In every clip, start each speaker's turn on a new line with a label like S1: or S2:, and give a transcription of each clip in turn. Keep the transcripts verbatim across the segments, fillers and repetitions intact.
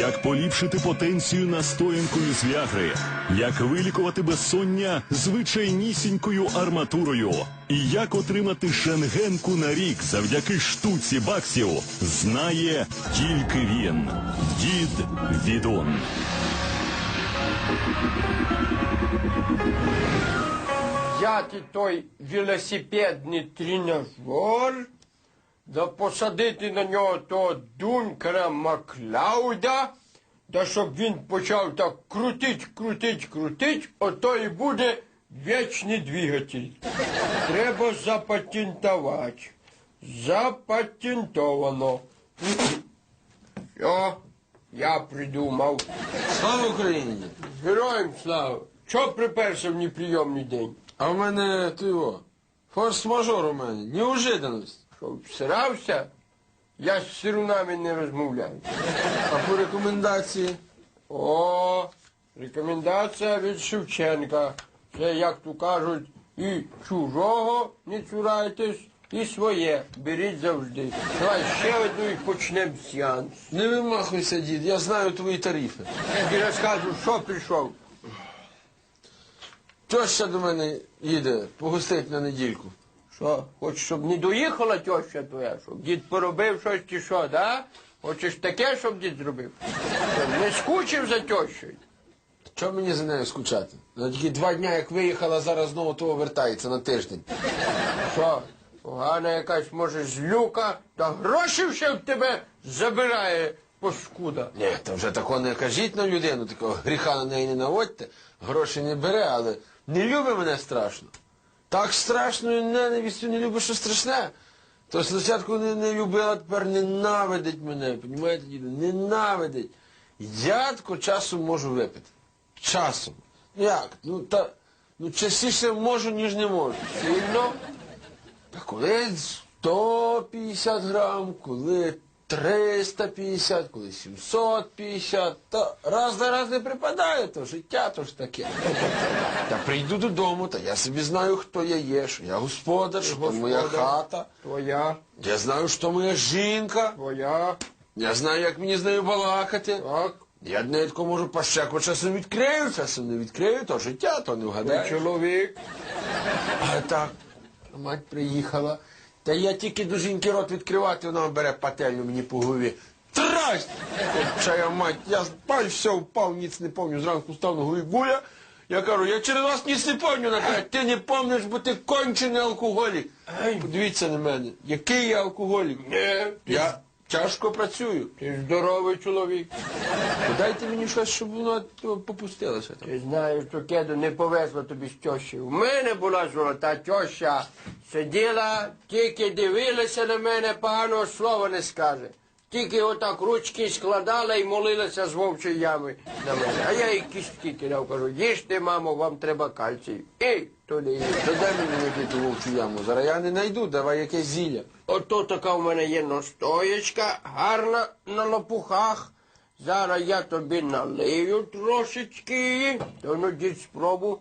S1: як поліпшити потенцію настоянкою з віагри, як вилікувати безсоння звичайнісінькою арматурою, і як отримати шенгенку на рік завдяки штуці баксів, знає тільки він. Дід Відун.
S2: Взяти той велосипедний тренажер, да посадити на нього того Дункера Маклауда, да щоб він почав так крутить, крутить, крутить, ото і буде вічний двигатель. Треба запатентувати. Запатентовано. Все, я придумав.
S3: Слава Україні!
S2: Героям слава! Чого приперся в неприйомний день?
S3: А в мене ти його, форс-мажор у мене, неожиданність.
S2: Що, всирався? Я з сирунами не розмовляю.
S3: А по рекомендації?
S2: О, рекомендація від Шевченка. Це, як то кажуть, і чужого не цурайтесь, і своє беріть завжди. Давай ще одну і почнемо сеанс.
S3: Не вимахуйся, дід, я знаю твої тарифи.
S2: Я тобі розкажу, що прийшов.
S3: Теща до мене їде погостить на недільку.
S2: Що, хочеш, щоб не доїхала теща твоя, щоб дід поробив щось чи що, да? Хочеш таке, щоб дід зробив? Що, не скучив за тещою?
S3: Чого мені за нею скучати? Вона тільки два дня, як виїхала, зараз знову того вертається на тиждень.
S2: Що, погана якась, може, злюка, та гроші ще в тебе забирає паскуда.
S3: Ні, то вже такого не кажіть на людину, такого гріха на неї не наводьте. Гроші не бере, але не любить мене страшно. Так страшною ненавистю не любить, що страшне. То спочатку не, не любила, тепер ненавидить мене, понімаєте, діду? Ненавидить. Я тако часом можу випити. Часом. Ну як? Ну, та, ну частіше можу, ніж не можу.
S2: Сильно?
S3: Та коли сто п'ятдесят грам, коли триста п'ятдесят, коли сімсот п'ятдесят, та раз на раз не припадає, то життя то ж таке. Та прийду додому, та я собі знаю, хто я є, що я господар, що то моя хата.
S2: Твоя,
S3: Я знаю, що моя жінка.
S2: твоя,
S3: Я знаю, як мені з нею балакати.
S2: так,
S3: Я до неї тако можу пащеку часом відкрию, часом не відкрию, то життя, то не
S2: твій
S3: вгадаєш.
S2: чоловік.
S3: А так, мать приїхала, та я тільки до жінки рот відкривати, вона бере пательню мені по голові. Трасть! Чая мать, я спав, все, впав, ніц не пам'ятаю, зранку став на голові гуля. Я кажу, я через вас ніц не пам'ятаю, вона каже, ти не пам'ятаєш, бо ти кончений алкоголік. Подивіться на мене, який я алкоголік.
S2: Ні, ти,
S3: Я тяжко працюю.
S2: ти здоровий чоловік.
S3: Дайте мені щось, щоб воно попустилося там.
S2: Ти знаєш, що кеду не повезло тобі з тещею. У мене була золота теща. Сиділа, тільки дивилася на мене, поганого слова не скаже. Тільки отак ручки складала і молилася з вовчої ями на мене. А я їй кістки кидав, кажу, їжте, мамо, вам треба кальцій. Ей, то не їсть.
S3: Та дай мені який вовчу яму, зараз я не знайду, давай якесь зілля.
S2: Ото така в мене є настоячка, гарна на лопухах. Зараз я тобі налию трошечки її. То ну дід спробу.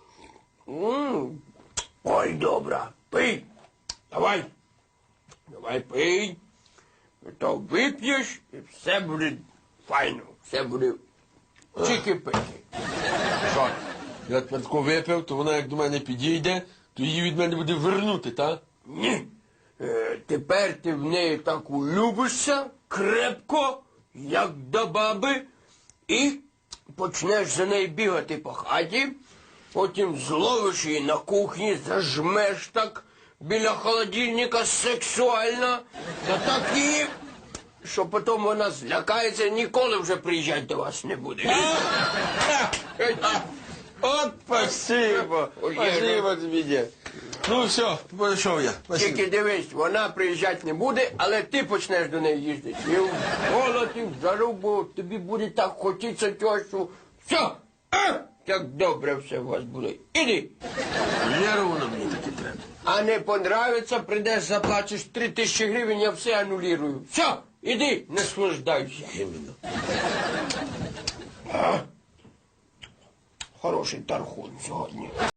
S2: М, Ой, добра, пий. Давай. Давай пий. То вип'єш і все буде файно. Все буде чики-пики.
S3: Що? Я тепер тако випив, то вона як до мене підійде, то її від мене буде вернути, так?
S2: Ні. Е, тепер ти в неї так улюбишся крепко, як до баби, і почнеш за нею бігати по хаті, потім зловиш її на кухні, зажмеш так біля холодильника сексуально, та так її, що потім вона злякається і ніколи вже приїжджати до вас не буде.
S3: От спасибо,
S2: Ой,
S3: спасибо тобі, дід. Ну все, пішов я. Спасибо.
S2: Тільки дивись, вона приїжджати не буде, але ти почнеш до неї їздити. І в голод, і в жару, бо тобі буде так хотіться тещу. Все, а, як добре все у вас буде. Іди.
S3: Лєру воно мені таки треба.
S2: А не понравиться, прийдеш, заплачеш три тисячі гривень, я все анулірую. Все, іди, наслаждайся.
S3: Іменно.
S2: Хороший тархун сьогодні.